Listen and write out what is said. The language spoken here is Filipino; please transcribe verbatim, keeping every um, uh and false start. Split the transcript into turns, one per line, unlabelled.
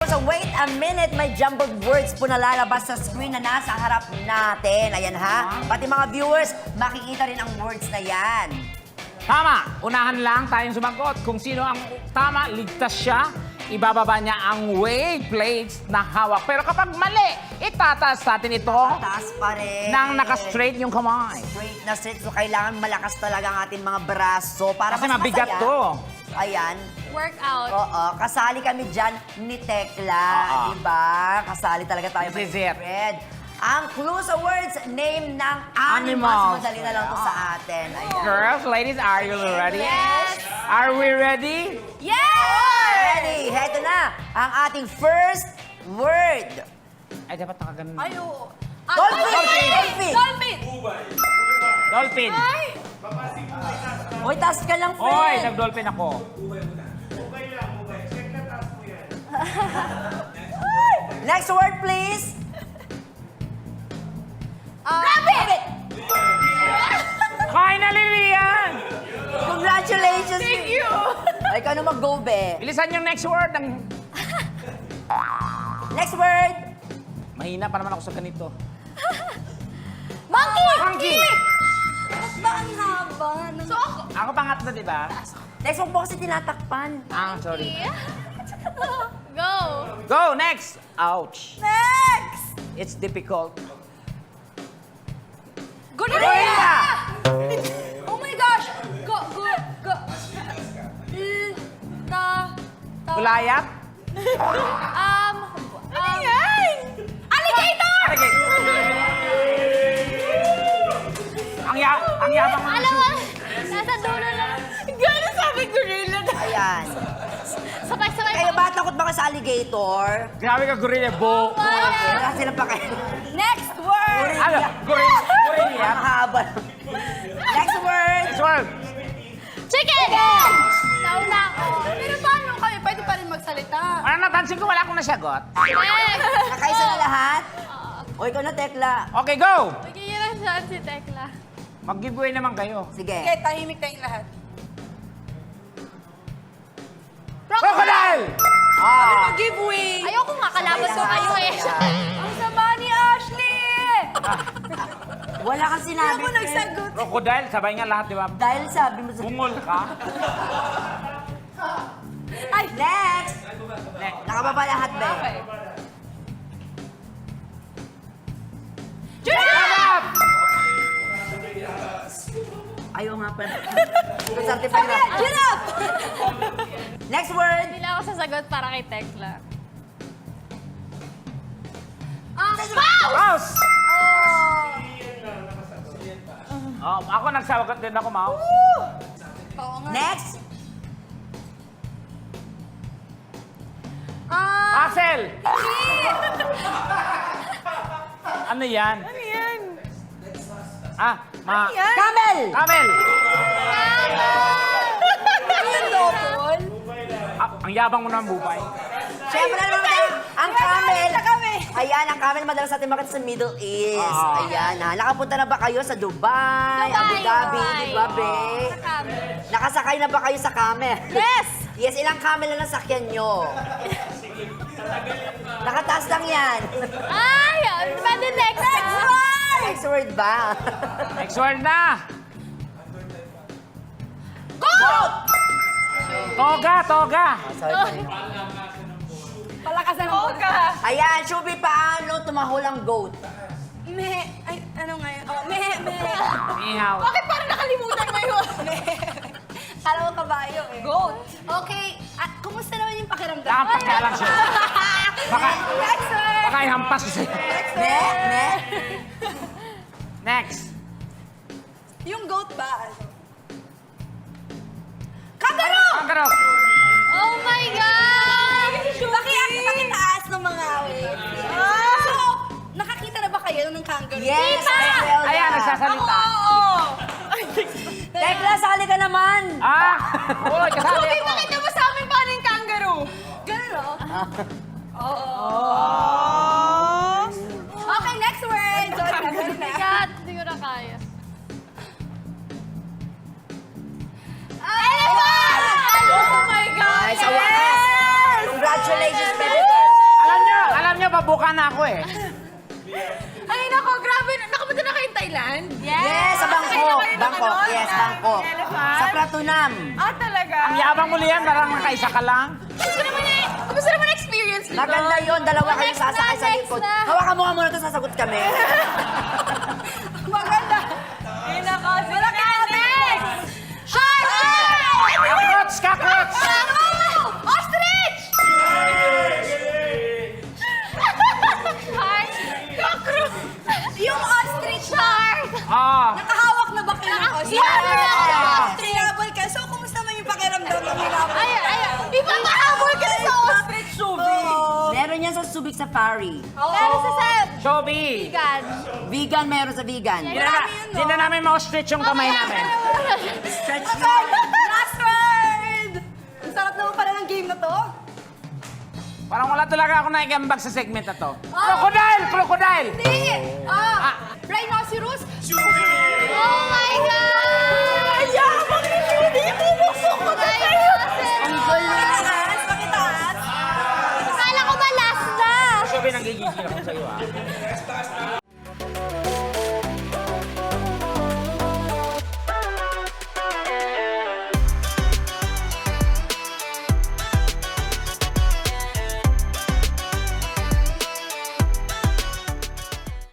So wait a minute, may jumbled words po na lalabas sa screen na nasa harap natin. Ayan ha. Pati mga viewers, makikita rin ang words na yan.
Tama. Unahan lang tayong sumagot. Kung sino ang tama, ligtas siya. Ibababa niya ang weight plates na hawak. Pero kapag mali, itataas natin ito
Taas pa rin.
nang naka-straight yung kamay.
Straight na straight. So kailangan malakas talaga ang ating mga braso para
Kasi
mas
mabigat
masaya.
to.
Ayan.
Workout.
Oo, kasali kami dyan ni Tekla,
Oo.
di ba? Kasali talaga tayo.
This is
my
it.
friend. Ang clue sa words, name ng
Animals.
animals. Madali na lang to sa atin. Ayan.
Girls, ladies, are you ready?
Yes!
Are we ready?
Yes!
Ready? Heto na, ang ating first word.
Ay, dapat nakaganon.
Ay, oo. Ah,
Dolphin!
Dolphin!
Dolphin!
Dolphin!
Dolphin.
Ay!
Uy, taas ka lang,
Oy,
friend.
nag-dolphin ako.
Next word, please.
Ah, Rabbit!
Finally, Rian!
Congratulations.
Thank you!
Ay, ikaw na mag-go, be.
Bilisan yung next word. Ang...
Next word.
Mahina pa naman ako sa ganito.
Monkey!
Monkey!
Ba't ba ang haba? So ako?
Ako pangatlo, di ba?
Next one po kasi tinatakpan.
Ah, sorry.
Go!
Go, next! Ouch.
Next!
It's difficult.
Gorilla! Oh my gosh! Go, go, go. L, ta, ta.
Gulayat?
Um, um. yan? Alligator!
Alligate. Ang ya ang yabang mo.
Alam mo, nasa dulo lang. Gano'n sabi gorilla na.
Ayan.
Sabay-sabay
Kayo ba, takot ba kayo sa alligator?
Grabe ka, gorilla. Bo.
Wala sila pa kayo.
Next word!
Ano? Gorilla. Gorilla.
Ang haba. Next word.
Next word.
Chicken! Nauna ako. Pero paano kayo? Pwede pa rin magsalita.
Ano, napansin ko wala akong nasagot.
Next!
Nakaisa na lahat? O, ikaw na, Tekla.
Okay, go!
Magiging saan si Tekla.
Mag-giveaway naman kayo.
Sige.
tahimik tayong lahat.
Crocodile! Ah.
Giveaway! Ayoko nga, kalaban ko kayo eh. Ang sama ni Ashley!
Wala kang sinabi.
Ako
friend.
nagsagot.
Crocodile, sabay nga lahat, di ba?
Dahil sabi mo sa...
Bungol ka.
Ay, next!
Next.
Nakababa lahat, be.
Sarap!
Ayaw nga pa. Ito certified na.
Giraffe!
Next word.
Hindi na ako sasagot para kay Tekla. Ah, mouse!
Mouse! Oh, ako nagsawagot din ako, mouse.
Oo nga.
Next.
Ah,
Puzzle! Ano yan?
ano yan?
Ah, ma...
Yan?
Camel.
Camel!
Yung double?
Ah, ang yabang mo naman, bubay.
Siyempre naman, ang camel.
Sa kami.
Ayan, ang camel madalas natin makita sa Middle East.
Ah.
Ayan, ha. Nakapunta na ba kayo sa Dubai, Abu Dhabi,
Dubai.
di ba, be?
Sa camel.
Nakasakay na ba kayo sa camel?
Yes!
Yes, ilang camel na nasakyan nyo? Nakataas lang yan.
Ay! Pwede next one!
Next word ba?
Next word na!
Goat!
Toga, toga!
Sorry.
Palakasan ng Oga!
Ayan, Shubi, paano tumahol ang goat?
Me... Ay, ano nga yun? Oh, me, me.
Ihaw.
Bakit parang nakalimutan mo yun? Kala mo kabayo eh. Goat. Okay. At kumusta naman yung pakiramdam?
Saan pakialam siya? Baka,
Next word!
baka ihampas ko sa'yo.
Ne? Ne?
Next.
Yung goat ba? Ano? Kangaroo!
Kangaroo.
Oh my God! Bakit pakitaas ng mga awit? So, nakakita na ba kayo ng kangaroo?
Yes,
Diba?
Esmeralda.
Ayan, nagsasalita.
Oo!
Tekla, sali ka naman.
Ah! Uy, kasali
Ruby,
ako.
pakita mo sa amin paano yung kangaroo. Ganun, no? Oo. Okay, next word. Sorry, kangaroo na.
God, hindi ko na kaya.
Elephant! Oh my God!
Ay, sa wakas. Congratulations, baby girl.
Natapa na ako eh.
Ay, nako, grabe. Nakapunta na kayong Thailand? Yes.
Yes, sa Bangkok.
Nakasakay na kayo ng
Bangkok,
ano?
yes,
Ah,
Bangkok.
elephant?
Sa Pratunam.
Ah, talaga?
Ang yabang mo liyan, parang nakaisa ka lang.
Gusto naman eh. Gusto naman experience nito.
Maganda yun, dalawa
Oh,
kayong
next na,
sasakay sa
next
likod.
na.
Hawakan mo nga muna ito, sasagot kami.
Maganda. Ay, nako. Wala ka, next! Shark!
Cockroach! Cockroach!
Ostrich! Shark? Cockroach! Yung ostrich shark!
Ah,
Nakahawak na ba kayo ng ostrich?
Yes!
Ostrich! Hinabol ka. So, kumusta man yung pakiramdam ng hinabol? Ay, ay, ay. Di ba mahabol ka sa ostrich, Shubi?
Meron yan sa Subic Safari.
Pero sa sa
Shobi!
vegan.
Vegan, meron sa vegan.
Hindi na, hindi na namin ma-stretch yung kamay namin.
Stretch
Okay, last word! Ang sarap naman pala ng game na to.
Parang wala talaga ako naigambag sa segment na to. Crocodile! Crocodile!
Hindi! Ah, rhinoceros? Oh my God! Yabang ni Judy! Pumusok ko na kayo!
Ang galing.
Pakitaas! Pakitaas! Akala ko ba last na?
Shobi, nanggigigil ako sa'yo ah.